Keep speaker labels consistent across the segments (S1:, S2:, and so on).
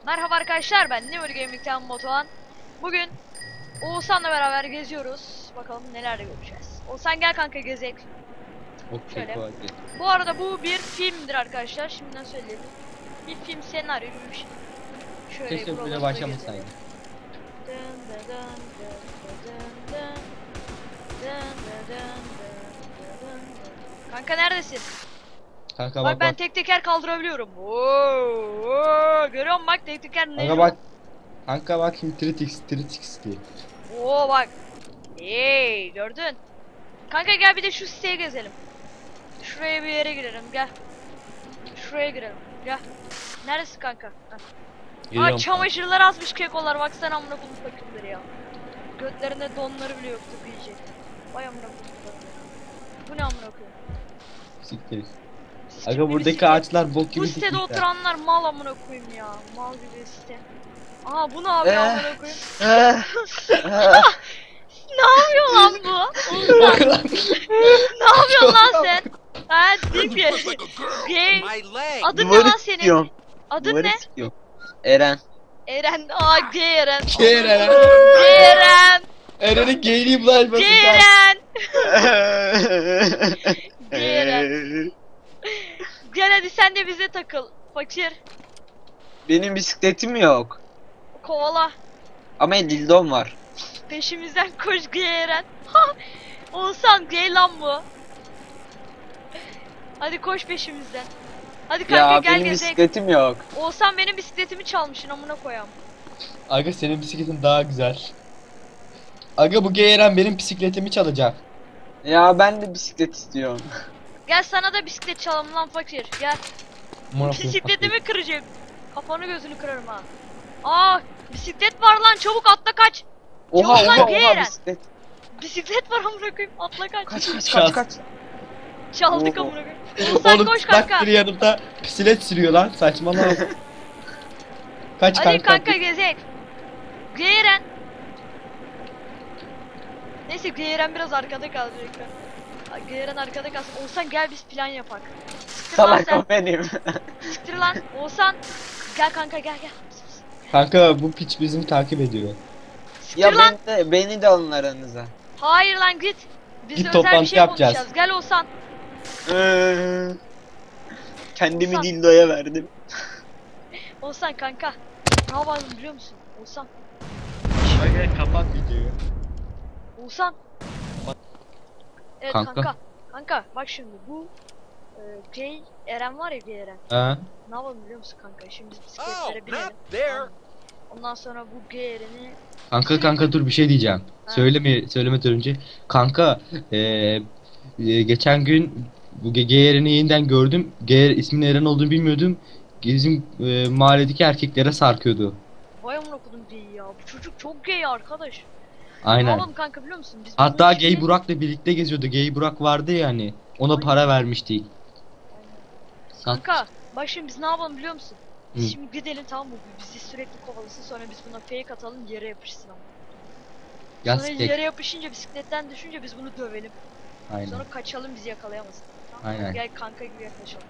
S1: Merhaba arkadaşlar, ben Never Gaming'ten Batuhan. Bugün Oğuzhan'la beraber geziyoruz. Bakalım neler göreceğiz. Oğuzhan gel kanka gezek. Şöyle. Bu arada bu bir filmdir arkadaşlar. Şimdiden söyleyelim. Bir film senaryo gibi bir şey. Şöyle
S2: keşke böyle başlamasaydı.
S1: Kanka neredesin?
S2: Kanka
S1: Bak
S2: bak
S1: ben
S2: bak.
S1: tek teker kaldırabiliyorum. Oo, görüyor musun bak tek teker ne?
S2: Kanka bak. Kanka bak şimdi Tritix diye.
S1: Oo bak. Hey gördün. Kanka gel bir de şu siteye gezelim. Şuraya bir yere girelim gel. Şuraya girelim gel. Neresi kanka? Heh.
S2: Geliyorum
S1: Aa çamaşırlar asmış kekolar baksana amına koyayım fakirleri ya. Götlerinde donları bile yoktu diyecek. Vay amına koyayım. Bu ne amına koyayım?
S2: Siktir.
S1: Siktir
S2: Aga
S1: bir
S2: buradaki
S1: site.
S2: ağaçlar bok gibi
S1: Bu sitede
S2: dikmişler.
S1: oturanlar mal amına koyayım ya. Mal gibi site. Aha bu ne yapıyor amına koyayım? Ne yapıyor lan bu?
S2: Bak lan.
S1: Ne yapıyorsun lan sen? Ha dik bir. Gay. Adın ne lan senin? Adın ne?
S3: Eren.
S1: Eren. Aa gay Eren.
S2: Gay Eren.
S1: Gay Eren.
S2: Eren'in gayliği bulaşmasın.
S1: Gay Eren. Gay Eren. Gel hadi sen de bize takıl. Fakir.
S3: Benim bisikletim yok.
S1: Kovala.
S3: Ama dildom var.
S1: Peşimizden koş gay Eren. Olsan gay lan bu. Hadi koş peşimizden. Hadi kanka
S3: Ya
S1: gel
S3: benim
S1: gezek.
S3: bisikletim yok.
S1: Olsan benim bisikletimi çalmışsın amına koyam.
S2: Aga senin bisikletin daha güzel. Aga bu gay Eren benim bisikletimi çalacak.
S3: Ya ben de bisiklet istiyorum.
S1: Gel sana da bisiklet çalalım lan fakir. Gel. Bisikletimi kıracağım. Kafanı gözünü kırarım ha. Aa bisiklet var lan çabuk atla kaç.
S3: Oha
S1: Çabuk lan
S3: oha
S1: gay
S3: oha
S1: Eren.
S3: bisiklet.
S1: Bisiklet var amına koyayım atla kaç.
S3: Kaç.
S1: Çaldık
S3: Oo.
S1: amına koyayım. Olsan
S2: Oğlum
S1: koş
S2: bak
S1: kanka.
S2: biri yanımda bisiklet sürüyor lan saçmalama. Kaç
S1: Hadi
S2: kanka.
S1: kanka gezek. Gay Eren. Neyse Gay Eren biraz arkada kalacak. Gay Eren arkada kalsın. Olsan gel biz plan yapak. Siktir lan
S3: Salak
S1: sen.
S3: o benim.
S1: Siktir lan. Olsan. Gel kanka gel.
S2: Kanka bu piç bizi takip ediyor.
S1: Siktir
S3: Ya
S1: lan.
S3: beni de alın aranıza.
S1: Hayır lan git. Biz
S2: Git
S1: de özel bir
S2: toplantı
S1: şey
S2: yapacağız.
S1: konuşacağız. Gel Olsan.
S3: Kendimi
S1: Olsan.
S3: dildoya verdim.
S1: Olsan kanka. Ne yapalım biliyor musun? Olsan.
S2: Aga kapat videoyu.
S1: Olsan. Evet
S2: Kanka.
S1: kanka. Kanka bak şimdi bu Gay Eren var ya Gay Eren.
S2: Ha?
S1: Ne yapalım biliyor musun kanka? Şimdi biz bisikletlere binelim. Tamam mı? Ondan sonra bu Gay Eren'i
S2: Kanka dur bir şey diyeceğim.
S1: Ha.
S2: Söylemeden önce. Kanka geçen gün bu Geyeren'i yeniden gördüm. Geyer isminin Eren olduğunu bilmiyordum. Bizim mahalledeki erkeklere sarkıyordu.
S1: vay amına kodum Gay'i ya. Bu çocuk çok gay arkadaş. Ne
S2: Aynen.
S1: yapalım kanka biliyor musun? Biz bunun
S2: Hatta
S1: içinde-
S2: Gay Burak'la birlikte geziyordu. Gay Burak vardı ya hani. Ona para vermiştik. Sat.
S1: Kanka bak şimdi biz ne yapalım biliyor musun? Biz
S2: Hı.
S1: şimdi gidelim tamam mı? Bizi sürekli kovalasın sonra biz buna fake atalım yere yapışsın ama.
S2: Ya
S1: Sonra
S2: stek.
S1: yere yapışınca bisikletten düşünce biz bunu dövelim.
S2: Aynen.
S1: Sonra kaçalım bizi yakalayamasın. Tamam mı?
S2: Aynen.
S1: Gel kanka gibi yaklaşalım.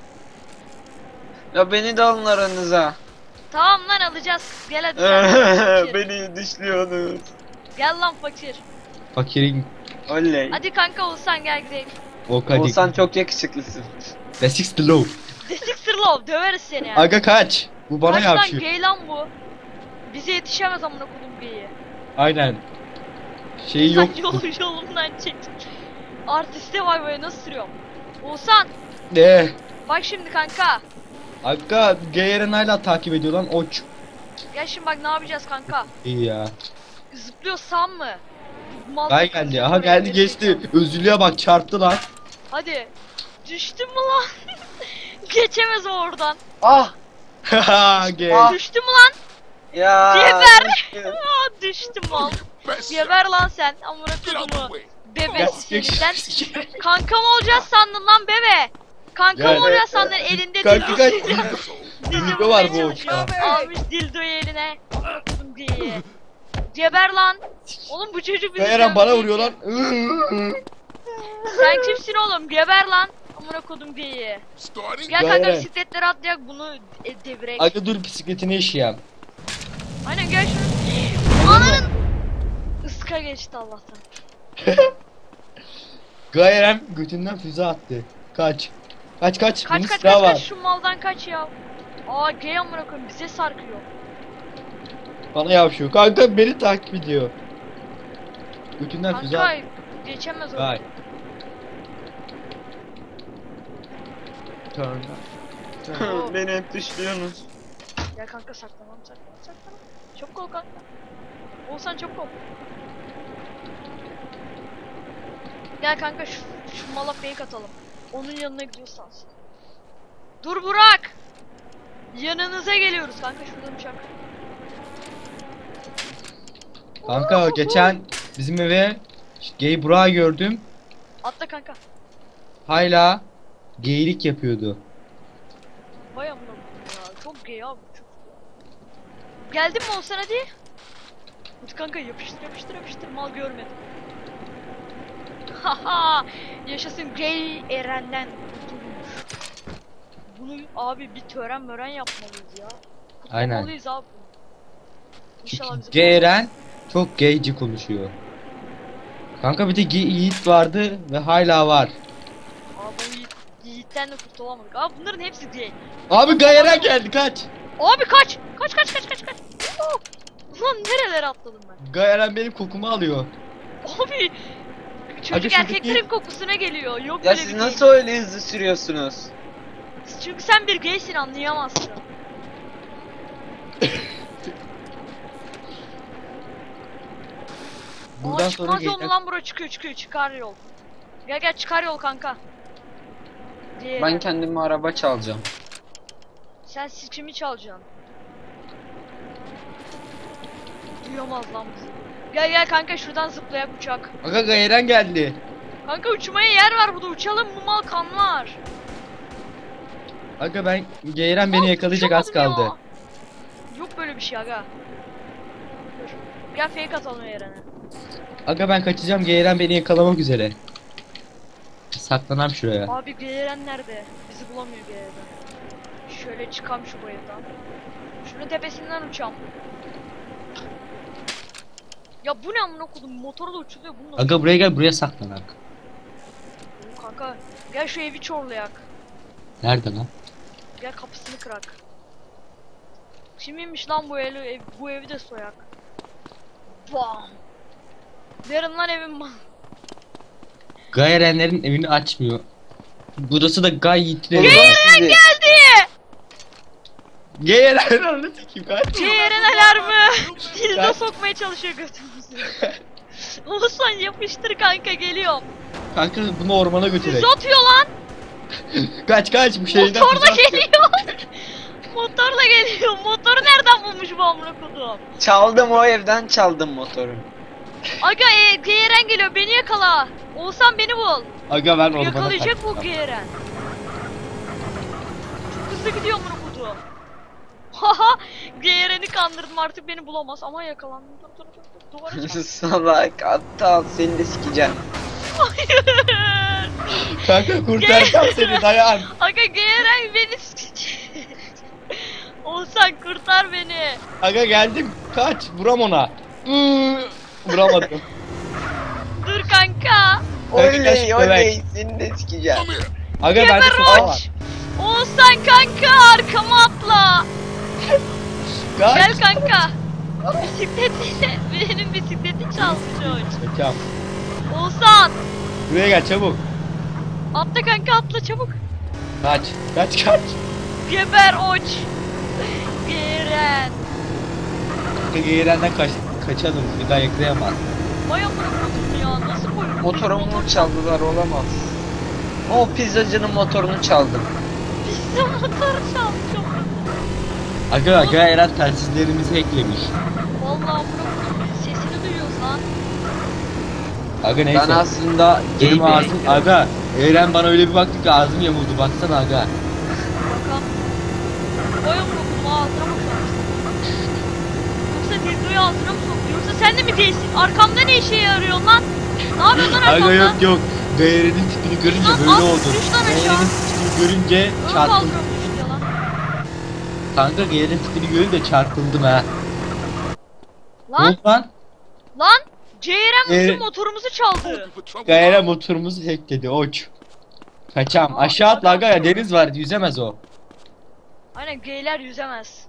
S3: Ya beni de alın aranıza.
S1: Tamam lan alacağız. Gel hadi sen. Fakir.
S3: Beni dışlıyorsunuz.
S1: Gel lan fakir.
S2: Fakirin
S3: Oley.
S1: Hadi kanka olsan gel gidelim.
S2: o kadik.
S3: Olsan çok yakışıklısın.
S2: The Six the Low.
S1: Desik sırlov döveriz seni ya.
S2: Aga kaç. Bu bana
S1: Kaç lan
S2: yapışıyor.
S1: gay lan bu. Bize yetişemez amına kodum gay'i.
S2: Aynen. Şeyi
S1: Sen
S2: yok.
S1: yolundan çek. Artiste vay vay nasıl sürüyorum. Oğuzhan
S2: Ne?
S1: bak şimdi kanka.
S2: Aga Gayeren hala takip ediyor lan oç.
S1: Gel şimdi bak ne yapacağız kanka.
S2: İyi ya.
S1: Zıplıyorsam mı? Mal
S2: Gay
S1: kız
S2: geldi.
S1: yok
S2: Aha
S1: oraya,
S2: geldi
S1: geri
S2: geçti.
S1: zekalı.
S2: Özürlüğe bak çarptı lan.
S1: Hadi. Düştüm mü lan? Geçemez o oradan.
S3: Ah!
S2: Haha gay.
S3: Ah.
S1: Düştü mü lan?
S3: Ya!
S1: Geber. Aa düştüm mal. Geber lan sen. Amına kodumu. Bebe seni sen. Kankam olacağız sandın lan bebe. Kankam
S2: Ya.
S1: olacağız sandın elinde
S2: Kanka
S1: dildo.
S2: kaç.
S1: Dildo
S2: Dildo var bu
S1: bulmaya
S2: uçta.
S1: çalışıyor. Almış dildoyu eline. Amına kodum diye. Geber lan. Oğlum bu çocuk bizi
S2: Gayeren bana
S1: dövecek
S2: vuruyor
S1: ya.
S2: lan.
S1: Sen kimsin oğlum? Geber lan. amına kodum geyiği.
S4: Starting.
S1: Gel kanka
S2: Gayret.
S1: bisikletleri atlayak bunu devirek.
S2: Aga dur bisikletini işeyem.
S1: Aynen gel şunu. Ananın. Iska geçti Allah'tan.
S2: Gayeren götünden füze attı. Kaç. Kaç.
S1: Kaç
S2: Bunun
S1: kaç
S2: silahı
S1: kaç
S2: var.
S1: kaç şu maldan kaç ya. Aa gay amına koyayım bize sarkıyor.
S2: Bana yavşıyor. Kanka beni takip ediyor. Götünden füze
S1: Kanka
S2: attı.
S1: geçemez o.
S2: Gay. Turn.
S1: Oo.
S3: Beni hep dışlıyorsunuz.
S1: Gel kanka saklanalım. Çabuk ol kanka. Olsan çabuk ol. Gel kanka şu mala fake atalım. Onun yanına gidiyoruz sansın. Dur Burak! Yanınıza geliyoruz kanka şuradan uçak.
S2: Kanka geçen bizim eve gay Burak'ı gördüm.
S1: Atla kanka.
S2: Hala geylik yapıyordu.
S1: Vay amına koyayım ya. Çok gay abi çok. Geldin mi olsan hadi? Hadi kanka yapıştır mal görmedim. Haha yaşasın gay Eren'den kurtulmuş. Bunu abi bir tören yapmalıyız ya.
S2: Aynen.
S1: Kutlamalıyız abi. İnşallah bizi
S2: Gay Eren çok gayci konuşuyor. Kanka bir de Yiğit vardı ve hala var.
S1: Abi Yiğit'ten de kurtulamadık. Abi bunların hepsi gay.
S2: Abi Gay Eren geldi kaç.
S1: Abi kaç. Kaç. Oo! Ulan nerelere atladım ben?
S2: Gay Eren benim kokumu alıyor.
S1: Abi çocuk
S2: Hadi şuradaki-
S1: erkeklerin kokusuna geliyor. Yok
S3: Ya
S1: böyle
S3: siz
S1: bir
S3: nasıl öyle hızlı sürüyorsunuz?
S1: şey. Çünkü sen bir gaysin anlayamazsın.
S2: Buradan
S1: Aa
S2: sonra
S1: çıkmaz yol mu
S2: gayden...
S1: lan bura çıkıyor çıkar yol. Gel çıkar yol kanka. Diğeri.
S3: Ben kendime araba çalacağım.
S1: Sen sikimi çalacaksın. Duyamaz lan bizi. Gel kanka şuradan zıplayak uçak.
S2: Aga Gay Eren geldi.
S1: Kanka uçmaya yer var burada uçalım bu mal kanlar.
S2: Aga ben Gay Eren beni yakalayacak az
S1: Uçamadım
S2: kaldı.
S1: ya. Yok böyle bir şey aga. Dur. Gel fake atalım yerine.
S2: Aga ben kaçacağım Gay Eren beni yakalamak üzere. Saklanam şuraya.
S1: Abi Geyeren nerede? Bizi bulamıyor Geyeren. Şöyle çıkam şu bayırdan. Şunun tepesinden uçam. Ya bu ne amına kodum motorla uçuluyor bununla.
S2: Aga buraya gel buraya saklanak.
S1: Kanka gel şu evi çorlayak.
S2: Nerede lan?
S1: Gel kapısını kırak. Kimmiş lan bu bu evi de soyak. Bam. Derim lan evim mal.
S2: Gay Erenlerin evini açmıyor. Burası da Gay Yiğit'in evi.
S1: Geyeren geldi.
S2: Gay Eren onu sikeyim kaç.
S1: Geyeren alarmı. Dildo
S2: Kaç.
S1: sokmaya çalışıyor götümüzü. Oğuzhan yapıştır kanka geliyorum.
S2: Kanka bunu ormana götürek.
S1: Füze atıyor lan.
S2: Kaç bu şeyden.
S1: Motorla
S2: füze atıyor.
S1: geliyor. Motorla geliyor. Motoru nereden bulmuş bu amına kodum?
S3: Çaldım o evden çaldım motoru.
S1: Aga Geyeren geliyor beni yakala. Oğuzhan beni bul.
S2: Aga ben ormana
S1: Yakalayacak bu
S2: kaçtım.
S1: Geyeren. Çok hızlı gidiyor amına kodum. Haha Geyeren'i kandırdım artık beni bulamaz ama yakalandım. Dur. Duvara çarp.
S3: Salak aptal seni de sikeceğim.
S1: Hayır.
S2: Kanka kurtaracağım seni dayan.
S1: Aga Geyeren beni sikecek. Oğuzhan kurtar beni.
S2: Aga geldim kaç vuram ona. Vuramadım.
S1: Dur kanka.
S3: Oley
S2: kaç
S3: oley seni de sikeceğim.
S2: Aga bende
S1: Geber
S2: sopa var.
S1: uç. Oğuzhan kanka arkama atla.
S2: Kaç.
S1: Gel kanka. Bisikleti benim bisikleti çalmış Oğuz.
S2: Kaçam.
S1: Oğuzhan
S2: Buraya gel çabuk.
S1: atla kanka atla çabuk.
S2: Kaç.
S1: Geber uç. Geren.
S2: Aga Eren'den kaçalım. Bir daha yakalayamaz.
S1: Vay amına koydum ya nasıl koydun?
S3: Motorumu çaldılar olamaz. O pizzacının motorunu çaldım.
S1: Biz de motoru çaldık.
S2: Aga Eren telsizlerimizi eklemiş.
S1: Vallahi amına koydum sesini duyuyoruz lan.
S2: Aga neyse.
S3: Ben aslında gay
S2: Benim ağzım
S3: biriydim.
S2: aga. Eren bana öyle bir baktı ki ağzım yamuldu baksana aga.
S1: Bakalım. Vay amına koydum ağzına mı sokmuş? Yoksa dildoyu ağzına mı soktu? Yoksa sen de mi değilsin? Arkamda ne işe yarıyor lan? Ne yapıyorsun lan arkamda?
S2: Aga yok. Gayerenin tipini görünce
S1: Lan,
S2: böyle
S1: at,
S2: oldu.
S1: düş lan aşağı.
S2: Gayerenin tipini görünce
S1: Ön
S2: çarpıldım.
S1: kaldırıyormuş ya lan.
S2: Kanka Gayerenin tipini görünce çarpıldım ha. Ne
S1: Lan
S2: oldu lan?
S1: lan. Ceyren bizim
S2: Evet.
S1: motorumuzu çaldı.
S2: Gayere motorumuzu hackledi oç. Kaçam. Aşağı atla aga ya, deniz var, yüzemez o.
S1: Aynen geyler yüzemez.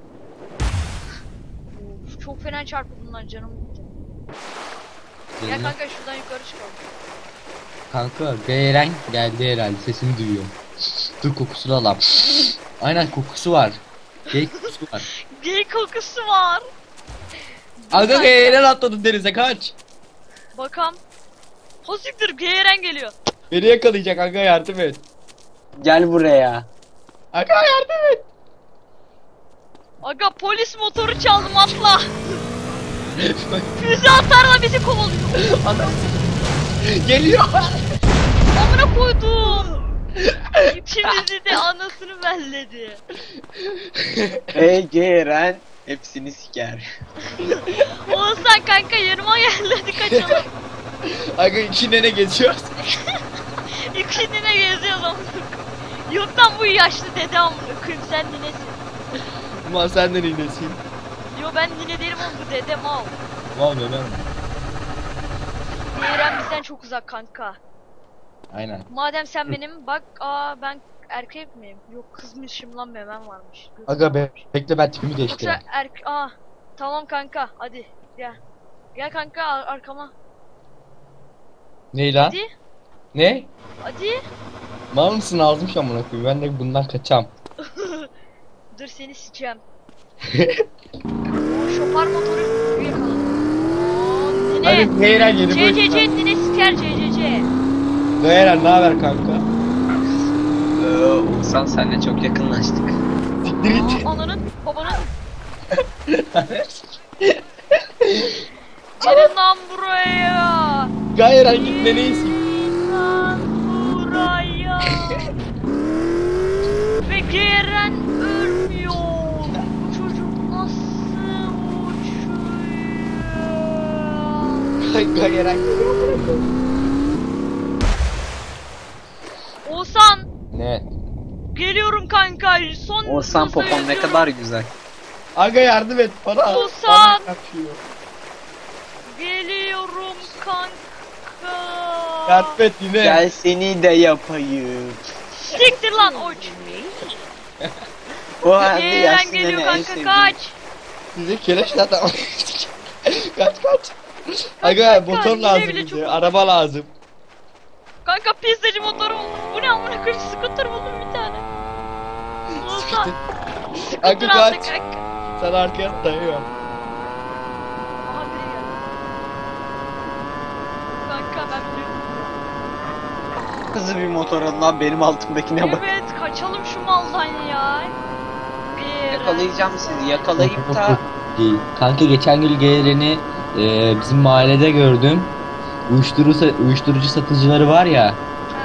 S1: Of, çok fena çarpıldım lan, canım gitti. Gel kanka şuradan yukarı çıkalım.
S2: Kanka Gayeren geldi herhalde, sesini duyuyor. Dur kokusunu alam. Aynen kokusu var. Gay kokusu var.
S1: Gey kokusu var.
S2: Aga Gayeren atladı denize, kaç.
S1: Bakam. Hosiktir, Geyren geliyor.
S2: Beni yakalayacak aga, yardım et.
S3: Gel buraya.
S2: Aga yardım et.
S1: Aga polis motoru çaldım, atla. Füze atarla bizi kovalıyor.
S2: Adam geliyor.
S1: Amına koydum. İkimizi de anasını belledi.
S3: Ey Geren hepsini siker.
S1: Oğuzhan kanka yanıma gel, hadi kaçalım.
S2: Aga içinde ne geziyoruz?
S1: İkisini de geziyoruz amına koyayım. Yok lan bu yaşlı dede amına koyayım, sen ninesin.
S2: Ulan senden iğnesin.
S1: Yo ben nine değilim oğlum, bu dede mal.
S2: Ulan Ömer.
S1: Geyren bizden çok uzak kanka.
S2: Aynen.
S1: Madem sen benim, bak ben erkek miyim? Yok kızmışım lan, memem varmış. Gözüm
S2: Aga
S1: varmış.
S2: bekle, ben tipimi
S1: Yoksa
S2: değiştireyim.
S1: tamam kanka, hadi gel. Gel kanka arkama.
S2: Ney lan?
S1: Hadi.
S2: Ne?
S1: Hadi.
S2: Mal mısın, ağzım şu amına koyayım, ben de bundan kaçam.
S1: Dur seni sikeceğim. Şopar motoru yakalım.
S2: Hadi
S1: Nine.
S2: Gayeren yeni
S1: CCC nine siker CCC.
S2: Gayeren ne haber kanka?
S3: Oğuzhan senle çok yakınlaştık.
S2: Siktir git.
S1: Ananın babanın. Gelin lan buraya.
S2: Gayeren gitme neysin?
S1: Gelin lan buraya. Ve Geren ölmüyor. Bu çocuk nasıl uçuyor?
S2: Gayeren.
S1: Oğuzhan
S2: Ne?
S1: geliyorum kanka. Son
S3: Oğuzhan
S1: hızla
S3: popon ne
S1: yüzüyorum.
S3: kadar güzel.
S2: Aga yardım et bana.
S1: Oğuzhan.
S2: Bana kaçıyor.
S1: Geliyorum kanka.
S2: Yardım et yine.
S3: Gel seni de yapayım.
S1: Siktir lan uç.
S3: O halde
S1: Gelen
S3: yaşlı
S1: geliyor
S3: nene en
S1: kanka,
S3: sevdiğim.
S1: kaç.
S2: Size keleş zaten. Kaç. Aga
S1: kanka,
S2: motor
S1: yine
S2: lazım
S1: bile
S2: bize.
S1: çok-
S2: Araba lazım.
S1: Kanka pizzacı motoru buldum. Bu ne amına koyayım, scooter buldum bir tane. Oğuzhan.
S2: Aga
S1: Scooter aldı
S2: kaç.
S1: kanka.
S2: Sen arkaya dayıyor.
S1: Aha biri geldi. Kanka ben biliyorum.
S3: Hızlı bir motor lan benim altımdakine bak.
S1: Evet kaçalım şu maldan ya. Bir
S3: Yakalayacağım sizi, yakalayıp da
S2: Kanka geçen gün Gayeren'i bizim mahallede gördüm. Uyuşturucu satıcıları var ya.
S1: Ha.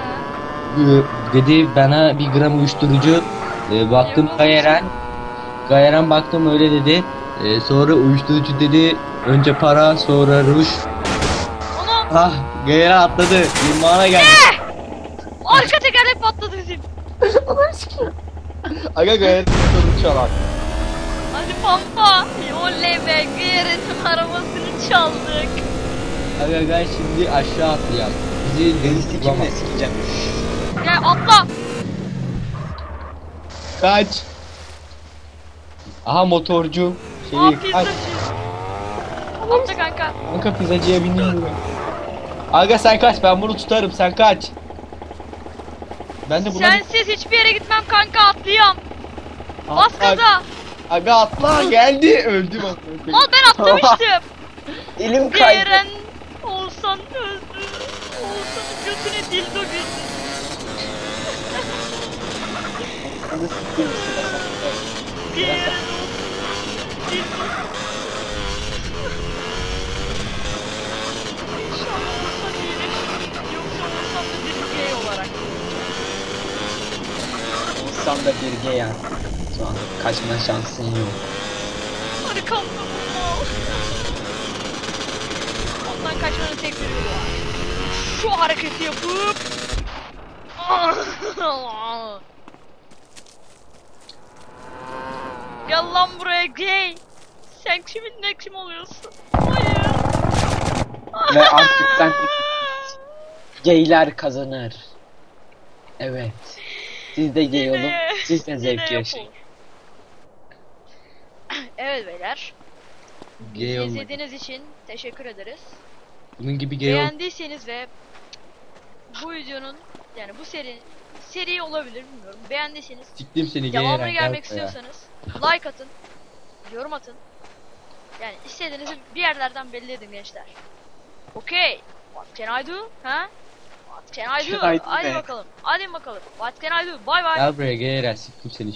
S2: Dedi bana 1 gram uyuşturucu, baktım Gayeren baktım öyle dedi. Sonra uyuşturucu dedi, önce para sonra ruj.
S1: Onu
S2: Ah Gayeren atladı, limana geldi.
S1: arka tekerlek patladı bizim.
S2: Aga Gayeren uyuşturucu çalar.
S1: Hadi pampa. Oley be, Gayret'in arabasını çaldık.
S2: Aga gay şimdi aşağı atlayalım. Bizi deniz
S3: sikimle
S2: tutamaz.
S3: sikeceğim.
S1: Gel atla.
S2: Kaç. Aha motorcu.
S1: Aa
S2: Kaç.
S1: pizzacı. Atla kanka.
S2: Kanka pizzacıya bineyim mi? Aga sen kaç, ben bunu tutarım, sen kaç. Ben de buna...
S1: Sensiz hiçbir yere gitmem kanka, atlayayım. Bas
S2: Atla.
S1: gaza.
S2: Aga atla, geldi, öldüm.
S1: Mal ben atlamıştım.
S3: Elim kaydı.
S1: Geren olsan öldü. Olsanın götüne dildo girdi.
S3: Hadi sikeyim size.
S1: Geren olsan dildo. İnşallah olsan iyileşir. Yoksa olsam da bir gay olarak.
S3: Oğuzhan da bir gay ya. Şu an kaçma şansın yok.
S1: Arkamda bu mal. Ondan kaçmanın tek bir yolu var. şu hareketi yapıp gel lan buraya gay. Sen kimin ne kim oluyorsun? Hayır.
S3: Ve artık sen gayler kazanır. Evet. Siz de gay olun. Siz de zevk yaşayın.
S1: Evet beyler.
S2: Gay
S1: Bizi
S2: olmak.
S1: izlediğiniz için teşekkür ederiz.
S2: Bunun gibi gay ol.
S1: Beğendiyseniz ve bu videonun yani bu seri olabilir bilmiyorum. Beğendiyseniz
S2: Siktim seni gay
S1: devamını
S2: Eren.
S1: gelmek
S2: Gel buraya.
S1: istiyorsanız like atın, yorum atın. Yani istediğinizi bir yerlerden belli edin gençler. Okay. What can I do? Ha? What can I do?
S3: Can I do
S1: Hadi
S3: ne?
S1: bakalım. Hadi bakalım. What can I do? Bye bye.
S2: Gel buraya gay Eren. Siktim seni.